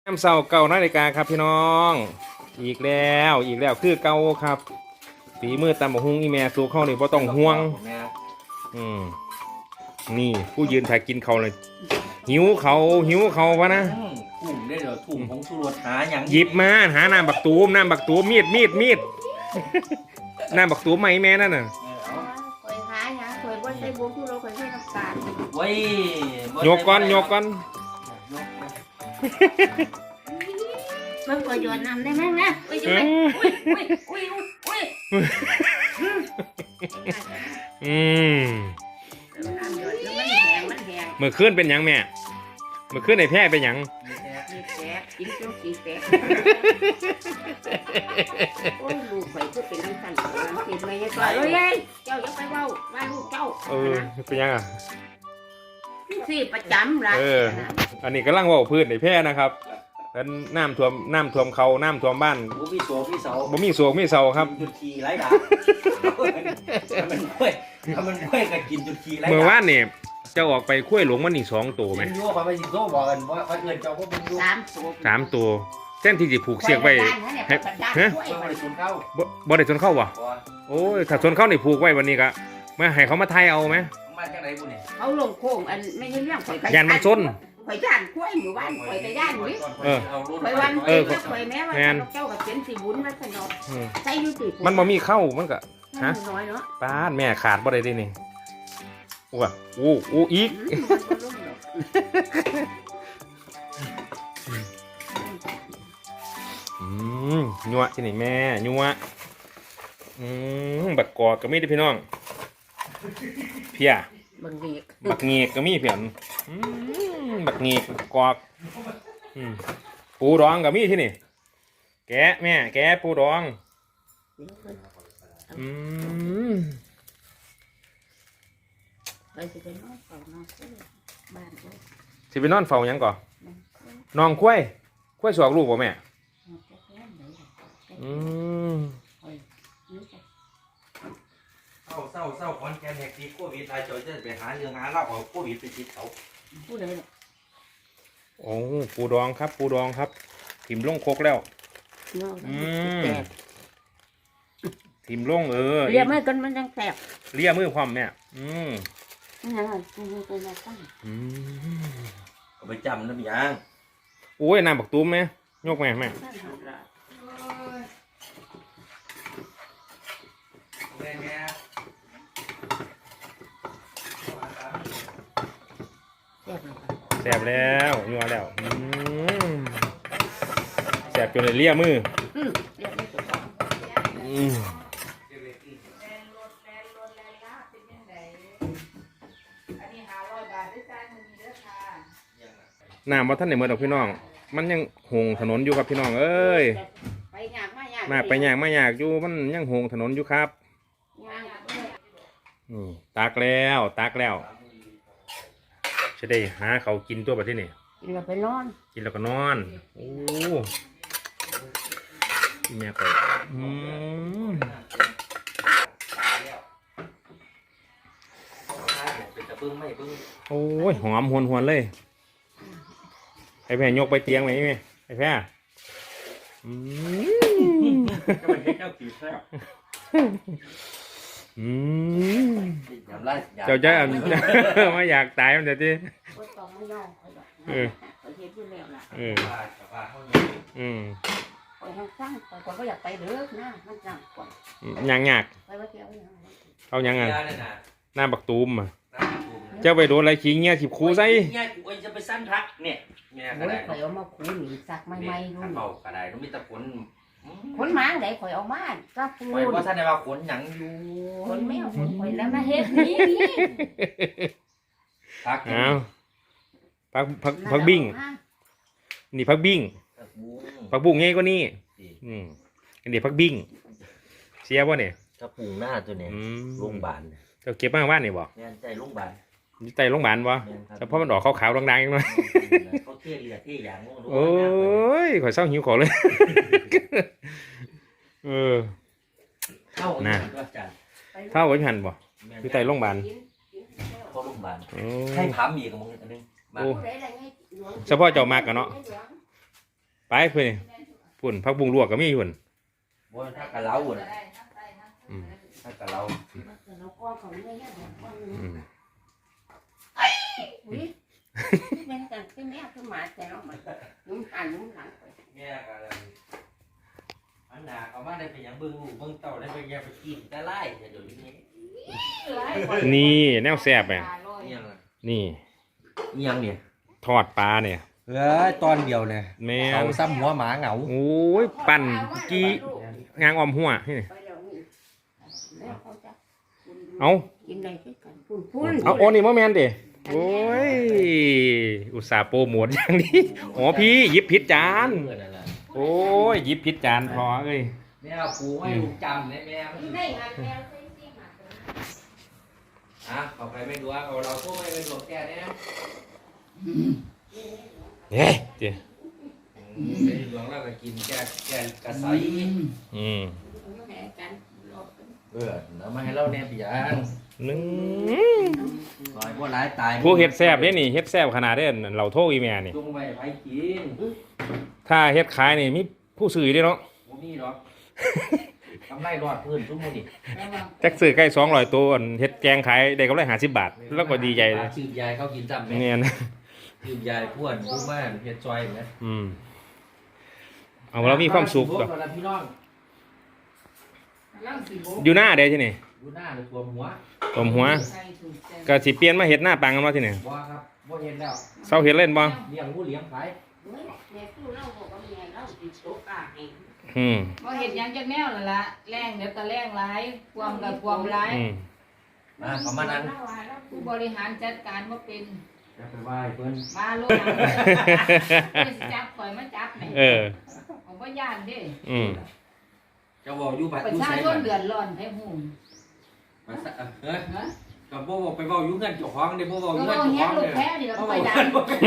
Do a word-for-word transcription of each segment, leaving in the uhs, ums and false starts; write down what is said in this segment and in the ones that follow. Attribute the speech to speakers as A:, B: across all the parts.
A: น้ำเสาเก่านาฬิกาครับพี่น้องอีกแล้วอีกแล้วคือเก่าครับฝีมือตำบักหุ่งอีแม่สูเข้านี่บ่ต้องห่วงอืมนี่ผู้ยืนถ่ายกินเขาเลยหิวเขาหิวเขาวะนะ
B: ถุงได้เหรอถุงของสุรสหาอย่าง
A: หยิบมาหาน้ำบักตูมน้ำบักตูมมีดมีดมีดน้ำบักตูมไหมแม่นั่นน่ะ
C: คอยหาหยังคอยบ่ใส่บุกทุโรคอยใส่น้ำตาล
B: ไว้
A: โยกก้อนโยกก้อน
C: มันก็หยดน้ำได้ไหมนะไปอยู่ไหนอุ้ยอุ้ยอุ้ยอุ้ย
A: อืม
C: น้ำหยดแล้วมันแห้งมันแห้ง
A: เมื่อคืนเป็นหยังแม่เมื่อคืนในแพร่เป็นหยัง
C: มีแตกกินจนขี้แตกโอ้ยลูกข่อยคือเป็นน้ำสั่นกินไม่ได้ก่อนเอ้ยเจ้าอย่าไปเว้าว่าลูกเจ้า
A: เออเป็นยังอ่ะ
C: สี่ประจำละ
A: เอออันนี้กำลังว่าพื้นในแพร่นะครับแล้วน้ำท่วมน้ำท่วมเขาน้ำท่วมบ้าน
B: บ่มีโศกมีเสา
A: บ่มีโศกมีเสาครับ
B: จุดขี่ไร้ด่ามันกล้วยมันกล้วยก็กินจุดขี่ไร้ด่า
A: เมื่อวานนี่เจ้าออกไปคุ้ยหลงมันนี่สองตัวไหม
B: ยั่วไปสิโซ่บอกกันว่าเขาเอิ้นเจ้าก็เป็นยั่ว
C: สามตัว
A: สามตัวเส้นที่จะผูกเสียกไว้
C: ฮะ
B: บ่ได้ชนเข้า
A: บ่ได้ชนเข้าวะโอ้ยถ้าชนเข้านี่ผูกไว้วันนี้ก็มาให้เขามาไทยเอาไหม
B: มาจากไหนบุญเนี่ย
C: เขาลงโค้งอันไม่ใช่เรื่องข่อย
A: ยันมันชน
C: ข่อยย่านกล้วยหมู่บ้านข่อยไปย่านนี่
A: เออ
C: ข่อยวันเออข่อยแม้ว่าเจ้ากับเป็นสีบุญมาสนอใส่ยูติ
A: มันบ่มีเข้ามันก็
C: ฮะน้อยเนาะ
A: ป้าแม่ขาดบ่ได้ดินี่ว้าโอ้โอ้อีกอืมยัวที่ไหนแม่ยัวอืมบักกอกก็มีได้พี่น้องเพีย
C: บักเงียก
A: บักเงียกก็มีเพียนบักเงียกกอกปูดองก็มีที่นี่แกะแม่แกะปูดองอืม
C: ไปสิไปนอนเฝ้านอนบ้านกู
A: สิไปนอนเฝ้ายังก่อนนอนคุ้ยคุ้ยสวกลูกบ่แม่อืม
B: เศร้าเศร้าเศร้าคอนแกนแหกตีโควิดไอ้จอยจะไปหาเรื่องหาเล่าเอาโควิดไปติดเขา
C: พูดเลย
A: โอ้ปูดองครับปูดองครับถิ่มลงโคกแล้วอืมถิ่มลงเออ
C: เลียมือกันมันยังแตก
A: เลียมือความแม่อืม
B: อืมเอาไปจำนะพี่ยัง
A: โอ้ยน้ำบักตุ้มไหมยกแม่แม่แสบแล้วยัวแล้วแสบจนเลยเลียมือน้ำว่าท่านไหนเมื่อดอกพี่น้องมันยังหงถนนอยู่ครับพี่น้องเอ้ย
C: ไปยากมายาก
A: มาไปยากไม่ยากอยู่มันยังหงถนนอยู่ครับตากแล้วตากแล้วจะได้หาเขากินตัวแบบที่นี่
C: กินแล้วไปนอน
A: กินแล้วก็นอนโอ้แม่ก็อืมโอ้ยหอมหวนหวนเลยไอ้แพรยกไปเตียงไหมไหมไอ้แพรอืมอืมเจ้าจะไม่อยากตายมันเดี๋ยวจีเออเอออืม
C: ก็อยากไปเด้อนะมันจังก่อน
A: ยังยากเอายังไงหน้าบักตูมอ่ะเจ้าไปโดนอะไรขี้เงี้ยขีบคูใส่
B: เงี้ยกูจะไปสั้นทักเนี่ย
C: เนี่ยก็ได้ข่อยเอามาคูหนีสักไม่ไม่
B: รู้เบากระไดต้องมีตะขน
C: ขนหมาไหนข่อยเอามาก็ปู
B: ข่อยว่าท่านได้ว่าขนหยังอยู่
C: ขนแมวขนข่อยแล้วมาเฮ็ดนี่
A: พักเอาพักพักพักบิ้งนี่พักบิ้งพักบุ้งไงก็นี่อืมอันนี้พักบิ้งเสียบ่เนี่ย
B: กระปุงหน้าตัวนี้โรงพยาบาล
A: จะเก็บมาบ้านนี่บ่
B: เนี่ยใจโรงพยาบาล
A: ใจโรงพยาบาลบ่แต่เพราะมันออกขาวๆดังๆอย่างน้อย
B: เขาเที่ยเรือเที่ยอย่าง
A: โอ้ยข่อยเศร้าหิวขอเลยเออนะเท่าไว้หันบ่คือใจโรงพยาบาล
B: เขาโรงพยาบาลให้ถามอีกกับมึงอันนึง
A: เฉพาะเจ้ามากกันเนาะไปเพื่อนพุ่นพักบุงลวกก็มีพุ่น
B: บ่ถ้ากะเล้าน่ะ
A: อืม
B: ถ้ากะเล้า
C: เราก้อนของเนื้อย่างก้อนนึง
A: อืม
C: อุ้ยแม่กันที่แม่คือหมาแต่เรามันนุ่มหันนุ่มหลังไป
B: แม่กะอันหนาเอามาได้ไปหยังเบิ่งลูกเบิ่งเต้าได้ไปอย่าไปกินแต่ไล่เดี๋ยวนี้
A: นี่แนวแซ่บไง
B: อิหยังอ่ะ
A: นี่
B: อิหยังเนี่ย
A: ทอดปลาเนี่ย
B: เอ้ยตอนเดียวเนี่ย
A: แม่
B: เขา
A: น
B: ซ้ำหัวหมาเหงา
A: โอ้ยปั่นกี้งางออมหัวนี่
C: ไปแล้วนี่แล้วเขาจะ
A: เอา
C: กินอะไรด้วยกันพุ่นพุ่น
A: เอาโอ้นี่มะแมนเด้โอ้ยอุตส่าห์โปรโมทอย่างนี้อ๋อพี่หยิบผิดจาน
B: เพื่อนนั่นแหละ
A: โอ้ยหยิบผิดจานพอเอ้ย
B: แม่เอาปูให้ลูกจำเนี่ยแม่มัน
C: ได้งานแล้วใช่ไหม
B: อ่ะเอาไปไม่ดูว่าเอาเราก็ไม่เป็นหลวงแกเนี่ยนะ
A: เฮ้ยเจ้
B: ไม่หลวงเราก็กินแกแกกระใส
A: อืม
C: แพ้กันรอบกัน
B: เออแล้วมาให้เราเนี่ยปียาง
A: หนึ่ง
B: ลอยว่าร้ายตาย
A: ผู้เฮ็ดแซ่บเนี่ยนี่เฮ็ดแซ่บขนาดเด้เราโทษอีแม่นี่
B: จุงไปไปกิน
A: ถ้าเฮ็ดขายนี่มีผู้ซื้อได้เนาะ
B: บ่มีหรอกทำไรรอดพื้นทุกมื้อนี่
A: จักซื้อใกล้สองร้อยตัวอันเฮ็ดแกงขายได้กำไรห้าสิบบาท แล้วก็ดีใจเลย
B: ชื่อยายเขากินจำไหม
A: เนี่ยนะ
B: ชื่อยายพ่วนผู้บ้านเฮ็ดซอยไหม
A: อืมเอาเรามีความสุข
B: ก่
A: ก่
B: อ
A: อน
B: นพี่น้อง
A: อยู่หน้าเด้ที่นี่
B: ดูหน้าหรือตัวหัว
A: ตมหัวก็สิเปลี่ยนมาเฮ็ดหน้าปังกันมาที่นี่
B: บ่ครับบ่เห็นแล้ว
A: เซาเฮ็ดเล่นบ่
B: เลี้ยงผู้เลี้ยงขาย
C: เฮ้ยแม่พูดเล่าบอกว่าแม่เล่าติดโต๊ะกาเอง
A: อืม
D: บ่เห็นหยังจักแนวนั่นล่ะแรงเดี๋ยวก็แรงหลายความก็ความหลาย
A: อืม
B: มาประมาณนั้น
D: ผู้บริหารจัดการบ่เป็น
B: จะไปไหว้เพิ่น
D: มาโลดหลังเลยสิจับข่อยมาจับแหม่
A: เออ
D: ผมบ่ย่านเด้
A: อืม
B: จะบอกอยู่บัด
D: ประ
B: อยู่
D: ชา
B: ไส
D: ช
B: บั
D: น
B: ด
D: เดือดร้อนให้ฮู้
B: มาซะเฮ้ย
D: ฮะ
B: ก็บ่บอกไปเว้าอยู่เงินเจ้าของเด้บ่เว้าอ
D: ก็
B: ยู่เงิน
D: เว้า
B: เจ้าข
D: เฮ็
B: อ
D: ด
B: ง
D: ลู
B: เด้
D: กแพ้นี่แล้ว
B: เว้า
D: ค่อยดัง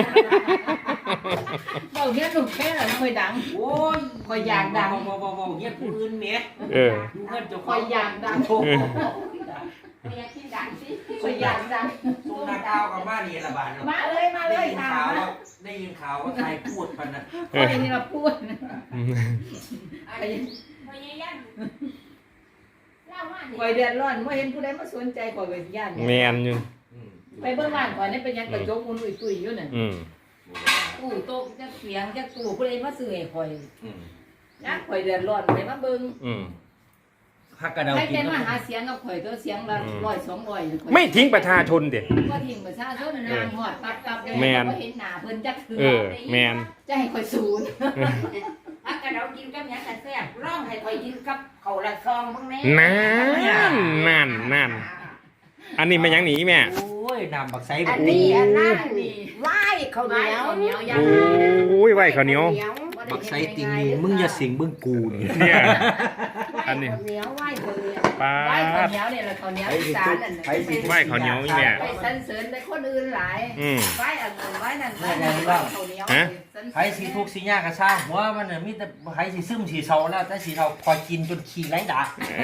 D: เว้าเฮ็ดลูกแพ้แล้วค่อยดัง
B: โอ้ย
D: ข่อยอยากดัง
B: เว้าเว้าเว้าเฮ็ดผู้อื่นแหม
A: เออ
B: อยู่เงินเจ้าข
D: ข่
B: อ
D: อง ยอยากดัง
B: โอ้โห
C: แม่ที่ดังสิ
D: ข่อยอยากดัง
B: ส่งนักข่าวกับมานี่ละบาด
D: มาเลยมาเลย
B: ได้ยิน
D: ถา
B: ข่าว
D: ม
B: ว่า
D: มา
B: ได้ยินข่าวว่าใครพูดมันนะ
D: ข่อยนี่ล่ะพูด
A: อืม
C: อันนี้พยายามเล่าว่า
D: ข่อยเดือดร้อนบ่เห็นผู้ใดมาสนใจข่อยก็ย่าน
A: แมนอยู่
B: อืม
D: ไปเบิ่งบ้านข่อยนี่เป็นหยังกระจกอุ่นอุ้ยๆอยู่นั่น
A: อืม
D: ตู้โต๊ะจักเสียงจักตู้ผู้ใดมาซื้อให้ข่อย
B: อืม
D: นะข่อยเดือดร้อนไปมาเบิ่ง
A: อืม
B: พักกระเดา
D: ใคร
B: กิ
D: เป็น น
B: ก็
D: มาหาเสียงกับข่อยตัวเสียงละร้อยสองร้อยข่อย
A: ไม่ทิ้งประชาชนเด็ด
D: ว่าทิ้งประชาชนนางหอดตับตับ
A: แม่น
D: บ่เห็นหน้าเพิ่นจักเทื่
A: เออ แมน
D: จะให้ข่อยศูนย์
C: พักกันเรากินกับยังกันแซ่บร้องให้คอยกินกับเขาละซองบ้างแน่
A: นั่นนั่นนั่นอันนี้เป็นหยังหนีแม่
B: โอ้ยน้ำบักไซ
C: อั
B: บั
C: น
B: ก
C: นี้อันนั้น
D: นี่
C: ไหว้เขาเหนียว
D: ข้าวเหนียวย่าง
A: โอ้ยไหวข้าวเหนียว
B: บักไซติงนี่มึงอย่าสิงเบิ่งกูนี่
A: เนี่ย
C: อันนี้เหนียวไหว้เขาเหนียว
A: ปลา
D: ไหว้ข้าวเหนียวนี่แหละข้าวเหนียวอีสานนั่นน่ะ
A: ไหวข้าวเหนียวอีแม่
D: ไปสรรเสริญได้คนอื่นหลาย
A: อืม
D: ไหว้อันนั้นไหว้นั่นไหว้นั่นไหว้ข้าวเหนียว
A: ฮะ
D: สรรเสริญ
B: ไผสิทุกข์สิยากก็สร้างหัวมันน่ะมีแต่ไผสิซึมสิเซาแล้วแต่สิเซาคอยกินจนขี้ไหลด่า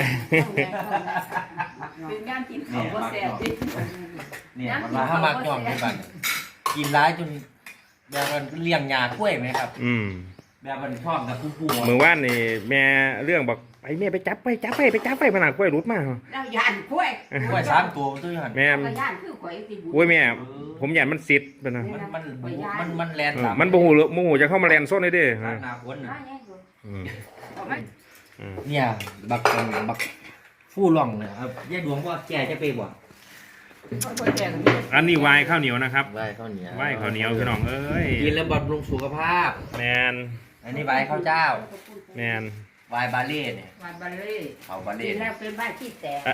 D: เป็นงานกินข้าวบ่แซ่บดิ
B: เนี่ยมันมาห้ามักย่องที่บ้านกินร้ายจนแบบมันเลี้ยงยากล้วยไหมครับ
A: อืม
B: แบบมันชอบกับผู้ผู้
A: เมื่อวานนี่แม่เรื่องบอกไปแม่ไปจับไปจับไปไปจับไปผนังกล้วยรุดมา
C: เราย่านกล้วย
B: กล้วยสามตัวตัวหัน
A: แม่
C: เราย่านคือข่อยสิบุ
A: โอ้ยแม่ ผมอยากมันสิทธิ์เป็นนะ
B: มันมันมันมันแลน
A: เออมันโมโหโมโหจะเข้ามาแลนโซนได้เด้อ
B: หน้าคน
C: มา
B: น่ะ
C: แน่ดู
A: อืม
C: เอาไหม
A: อืม
B: เนี่ยบักบักฟู่ร่องเนี่ยครับยายดวงว่าแกจะไปบ่
D: ค่อยๆแจก
A: อันนี้วายข้าวเหนียวนะครับ
B: ใบข้าวเหนียว
A: วายข้าวเหนียวพี่น้องเอ้ย
B: กินแล้วบำรุงสุขภาพ
A: แมน
B: อันนี้ใบข้าวเจ้า
A: แมน
B: ใบบาเล่เนี่ย
D: หวานบัลเล่
B: เขาบา
C: กิ
B: เล่
C: นแล้วเป็นบ้านที่แตก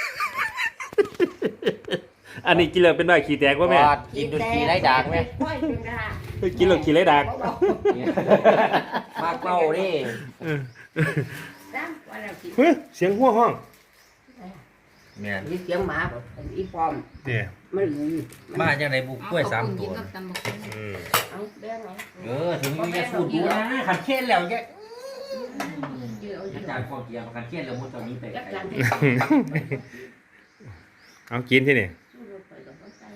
A: อันนี้กินเลยเป็นได้ขี่แตกว่าแม่
B: กินจนขี้ไรด่างไหม
C: กล้วยเป็นด่าง
A: กินเลยขี่ไรดัก
B: มากเป้าดิ
A: เออ
C: จ้าว่าเรากิน
A: เฮ้ยเสียงหัวห้อง
B: เนี่ย
C: มีเสียงหมาแบบอีปอม
A: เดี๋ยว
C: มันหลุย
B: มาจากไหนบุกกล้วยสามตัว
D: กับตำบักหุ่ง
A: อืม
C: เอาแบงเอา
B: เออถึงจะสูดดูนะขันเช่นแล้วแก
C: เดี๋ยว
B: อาจารย์พอเกียร์ขันเช่นแล้วมุดตอนนี้ไป
C: จับจัง
A: เอากินที่นี่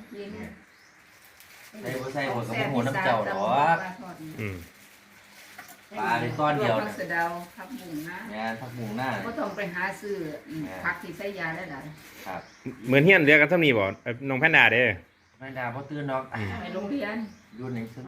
B: ใส่บ่ใส่หัวกับหัวน้ำเจ้าหรอ
A: อืม
B: ปลาในก้อนเดียว
D: พักสะเดาพักบุ้งนะ
B: แม่นผักบุ้งหน้า
D: ก็ต้องไปหาซื้อผักที่ใส่ยาได้หลาย
B: ครับ
A: เหมือนเฮียนเรียกกันเท่านี้บ่เอ่อน้องแพนด้าเด้
B: แม่ดาบ่ตื่นดอก
D: ไปโรงเรียน
B: อยู่ใน